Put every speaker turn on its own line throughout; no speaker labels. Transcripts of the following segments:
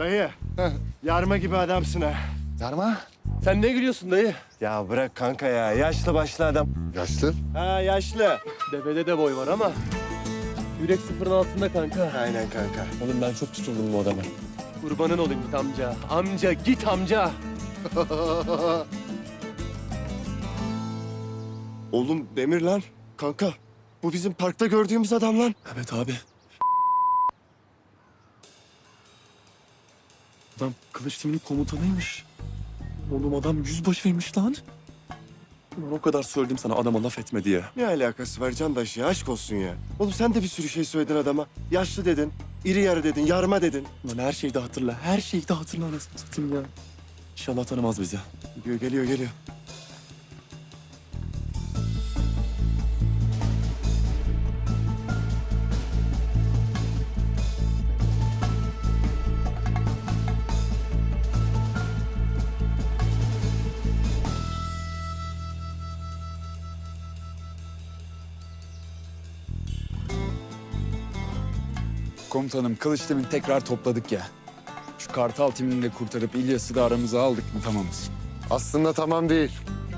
Dayı, yarma gibi adamsın ha.
Yarma.
Sen ne gülüyorsun dayı? Ya bırak kanka ya, yaşlı başlı adam.
Yaşlı.
Ha yaşlı. Devede de boy var ama yürek sıfırın altında kanka. Aynen kanka. Oğlum ben çok tutuldum bu adama. Kurbanın olayım git amca. Amca git amca. Oğlum Demir lan. Kanka bu bizim parkta gördüğümüz adam lan.
Evet abi. Adam kılıç timinin komutanıymış. Oğlum adam yüzbaşıymış lan. Ulan o kadar söyledim sana adama laf etme diye.
Ne alakası var Candaş ya, aşk olsun ya. Oğlum sen de bir sürü şey söyledin adama. Yaşlı dedin, iri yarı dedin, yarma dedin.
Ulan her şeyi de hatırla. Her şeyi de hatırla anasını satayım ya. İnşallah tanımaz bizi.
Geliyor.
Komutanım kılıç timini tekrar topladık ya. Şu Kartal timini de kurtarıp İlyas'ı da aramıza aldık mı tamamız.
Aslında tamam değil.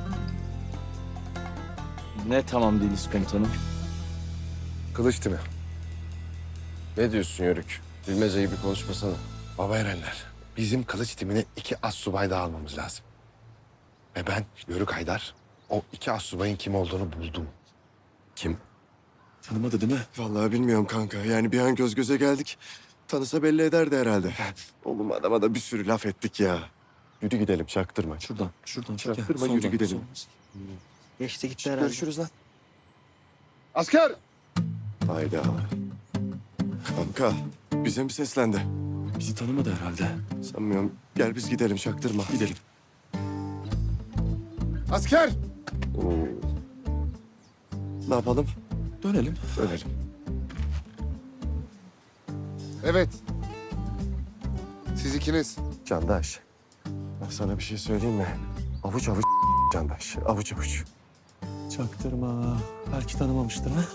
Ne tamam değiliz komutanım.
Kılıç timi. Ne diyorsun Yörük? Bilmece gibi konuşmasana. Baba Erenler, bizim kılıç timine 2 astsubay daha almamız lazım. Ve ben Yörük Haydar, o 2 astsubayın kim olduğunu buldum.
Kim? Tanımadı değil mi?
Vallahi bilmiyorum kanka. Yani bir an göz göze geldik. Tanısa belli ederdi herhalde. Oğlum adama da bir sürü laf ettik ya. Yürü gidelim, çaktırma.
Şuradan çek.
Çaktırma,
Soldan,
yürü gidelim.
soldan.
Geçti gitti herhalde.
Görüşürüz lan.
Asker!
Hayda. Kanka, bize mi seslendi?
Bizi tanımadı herhalde.
Sanmıyorum. Gel biz gidelim, çaktırma.
Gidelim.
Asker!
Oo. Ne yapalım?
Dönelim.
Dönelim.
Evet. Siz ikiniz.
Candaş, ben sana bir şey söyleyeyim mi? Avuç avuç Candaş, avuç avuç.
Çaktırma. Belki tanımamıştır ha.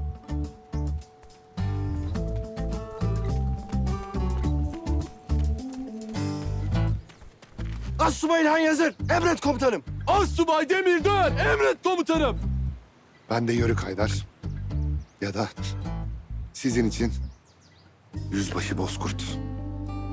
Assubay İlhan Yazır, emret komutanım.
Assubay Demir dön! Emret komutanım!
Ben de Yörük Haydar. Ya da sizin için Yüzbaşı Bozkurt.